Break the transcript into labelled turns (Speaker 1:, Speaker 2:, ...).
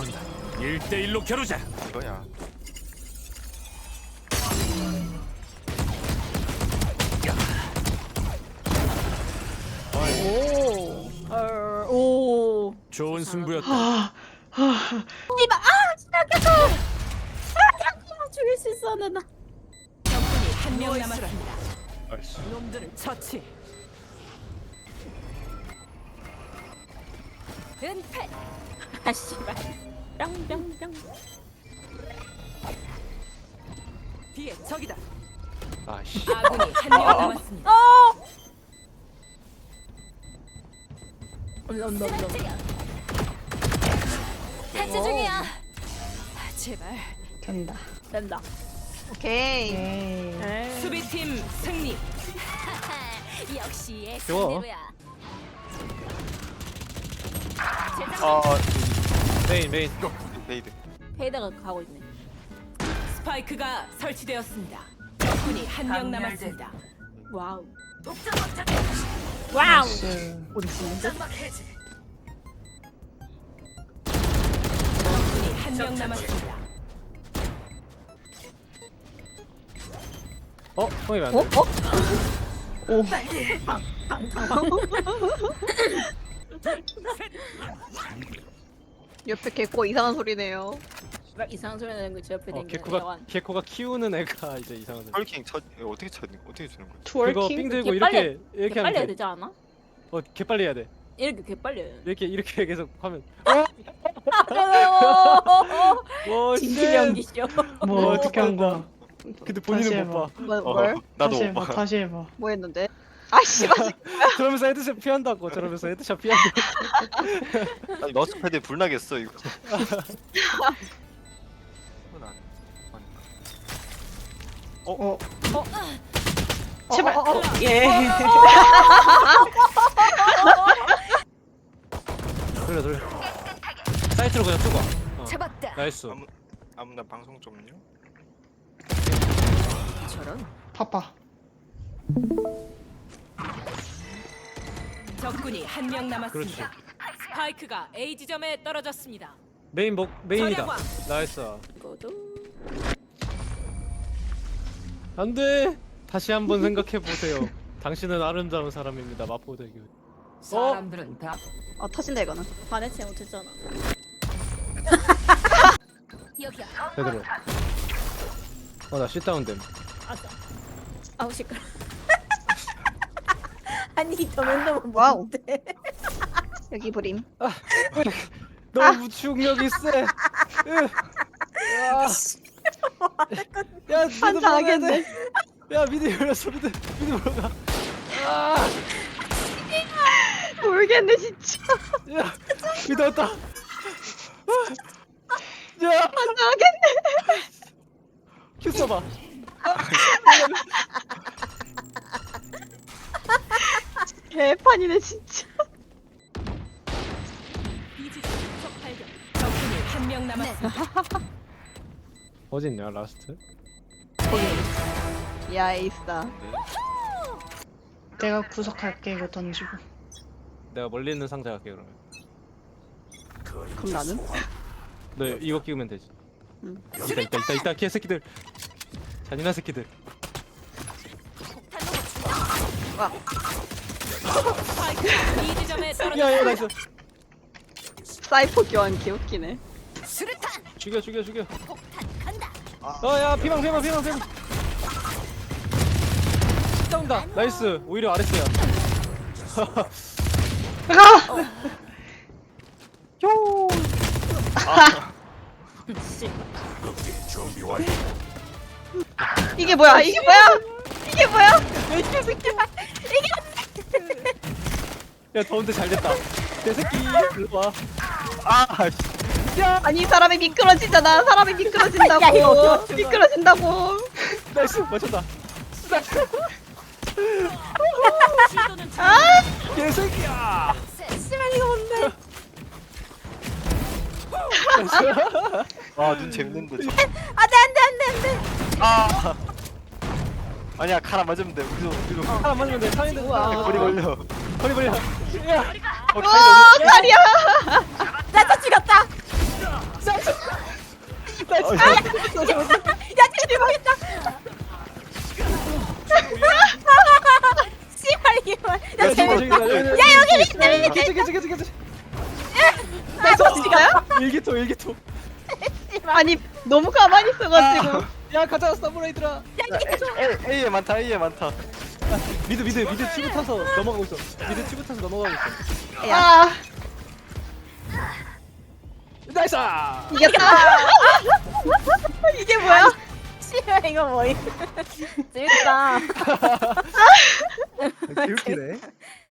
Speaker 1: 모른다. 1대1로 겨루자.
Speaker 2: 이거야.
Speaker 3: 오.
Speaker 1: 좋은 승부였다.
Speaker 3: 이봐. 시작했어. 죽일 수 있었는데 나.
Speaker 4: 적군이 한 명 남았습니다.
Speaker 1: 나이스.
Speaker 4: 놈들을 처치. 은폐.
Speaker 3: 아 씨발. 뿅뿅뿅.
Speaker 4: 뒤에 적이다.
Speaker 1: 아씨.
Speaker 4: 아군이 한 명 남았습니다.
Speaker 3: 온다.
Speaker 4: 탈취 중이야. 제발.
Speaker 3: 된다.
Speaker 5: 오케이.
Speaker 3: 에이.
Speaker 4: 수비팀 승리.
Speaker 6: 역시
Speaker 1: 좋아.
Speaker 6: 예스대로야.
Speaker 1: 메인.
Speaker 2: 베이드.
Speaker 3: 페이드가 가고 있네.
Speaker 4: 스파이크가 설치되었습니다. 적군이 한 명 남았습니다.
Speaker 3: 와우. 와우. 어디 있는데?
Speaker 4: 적군이 한 명 남았습니다.
Speaker 1: 형이 왜 안 돼?
Speaker 5: 옆에 개코 이상한 소리네요.
Speaker 3: 이상한 소리 나는 거제 옆에 댕기는
Speaker 1: 개코가 키우는 애가 이제 이상하네.
Speaker 2: 헐킹 어떻게 쳐는 어떻게 주는 거야?
Speaker 1: 그거 삥 들고
Speaker 3: 개
Speaker 1: 이렇게
Speaker 3: 빨리
Speaker 1: 하면
Speaker 3: 해야
Speaker 1: 돼.
Speaker 3: 되지 않아?
Speaker 1: 개 빨리 해야 돼.
Speaker 3: 이렇게 개 빨리 해야 돼.
Speaker 1: 이렇게 계속 하면. 와,
Speaker 3: 진실 연기쇼.
Speaker 7: 뭐 어떻게 한 거야?
Speaker 1: 근데
Speaker 7: 다시
Speaker 1: 본인은
Speaker 7: 해봐.
Speaker 1: 못 봐.
Speaker 5: 뭘?
Speaker 2: 나도
Speaker 7: 다시
Speaker 2: 못
Speaker 7: 해봐.
Speaker 2: 봐.
Speaker 7: 다시 해봐.
Speaker 5: 뭐 했는데? 아씨 맞.
Speaker 1: 저러면서 헤드샷 피한다고. 저러면서 헤드샷 피한다고.
Speaker 2: 아니 머스패드에 불 나겠어 이거.
Speaker 7: 어. 제발. 예.
Speaker 1: 돌려. 사이트로 그냥 쏘고.
Speaker 6: 잡았다.
Speaker 1: 나이스.
Speaker 2: 아무나 방송 좀요.
Speaker 4: 저런.
Speaker 7: 파파.
Speaker 4: 적군이 한 명 남았습니다. 스파이크가 A 지점에 떨어졌습니다.
Speaker 1: 메인이다.
Speaker 4: 절약왕.
Speaker 1: 나이스.
Speaker 3: 이거도.
Speaker 1: 안돼. 다시 한번 생각해 보세요. 당신은 아름다운 사람입니다. 마포대교.
Speaker 4: 사람들은 다
Speaker 5: 어 터진다 이거는.
Speaker 3: 반해체 못했잖아.
Speaker 6: 여기야.
Speaker 1: 제대로. 나 쉿다운됨.
Speaker 3: 아싸. 아우 시끄러. 아니 저 맨날
Speaker 5: 와우.
Speaker 3: 뭔데?
Speaker 5: 여기 브림.
Speaker 1: 너무 충격이 세. 야, 미드
Speaker 5: 환장하겠네.
Speaker 1: 야, 미드 열렸어. 미드 물어가.
Speaker 5: 모르겠네 진짜.
Speaker 1: 야, 미드 왔다. 야,
Speaker 5: 환장하겠네.
Speaker 1: 큐 써봐.
Speaker 5: 개판이네 진짜.
Speaker 4: B 지점 적 발견. 적군이 한 명 남았습니다.
Speaker 1: 어디 있냐, 라스트?
Speaker 5: 야 에이스다.
Speaker 7: 내가 구석할게 이거 던지고.
Speaker 1: 내가 멀리 있는 상자 갈게 그러면.
Speaker 5: 그럼 나는?
Speaker 1: 너 이거 끼우면 되지.
Speaker 5: 응.
Speaker 1: 있다 개새끼들. 잔인한 새끼들.
Speaker 4: 스파이크가 B 지점에
Speaker 1: 야,
Speaker 4: 떨어졌습니다.
Speaker 1: 나이스.
Speaker 5: 사이퍼 교환 개웃기네.
Speaker 6: 수류탄.
Speaker 1: 죽여.
Speaker 6: 폭탄 간다.
Speaker 1: 야, 피망. 싸운다. 나이스. 오히려 아래스야.
Speaker 5: 이게 뭐야? 이게 뭐야? 이게 뭐야?
Speaker 1: 야, 더운데 잘 됐다. 개새끼. 일로 와.
Speaker 5: 아니 이 사람이 미끄러지잖아. 사람이 미끄러진다고.
Speaker 3: 야, 이거 어떡해.
Speaker 5: 미끄러진다고.
Speaker 1: 나이스. 맞췄다.
Speaker 4: 시도는
Speaker 1: 개새끼야.
Speaker 3: 씨발 이거 뭔데?
Speaker 2: 아눈 재밌는데.
Speaker 3: 안돼.
Speaker 2: 아니야 칼 안 맞으면 돼. 우리도.
Speaker 1: 사람 맞으면 돼. 사인데.
Speaker 2: 거리 걸려.
Speaker 1: 거리 벌려. 야.
Speaker 5: 와 다리야.
Speaker 3: 나또 죽였다. 야 대박이다. 씨발 이게 뭐야? 야 재밌다. 야 여기 밑에.
Speaker 5: 어디가요?
Speaker 1: 일기토 일기토.
Speaker 5: 아니 너무 가만히 있어가지고.
Speaker 1: 야 가자 사무라이들아.
Speaker 2: A에 많다 A에 많다.
Speaker 1: 미드 치고 타서 넘어가고 있어. 미드 치고 타서 넘어가고 있어.
Speaker 5: 아
Speaker 1: 나이스.
Speaker 5: 이겼다. 이게 뭐야?
Speaker 3: 씨발 이거 뭐야? 재밌다.
Speaker 1: 개웃기네.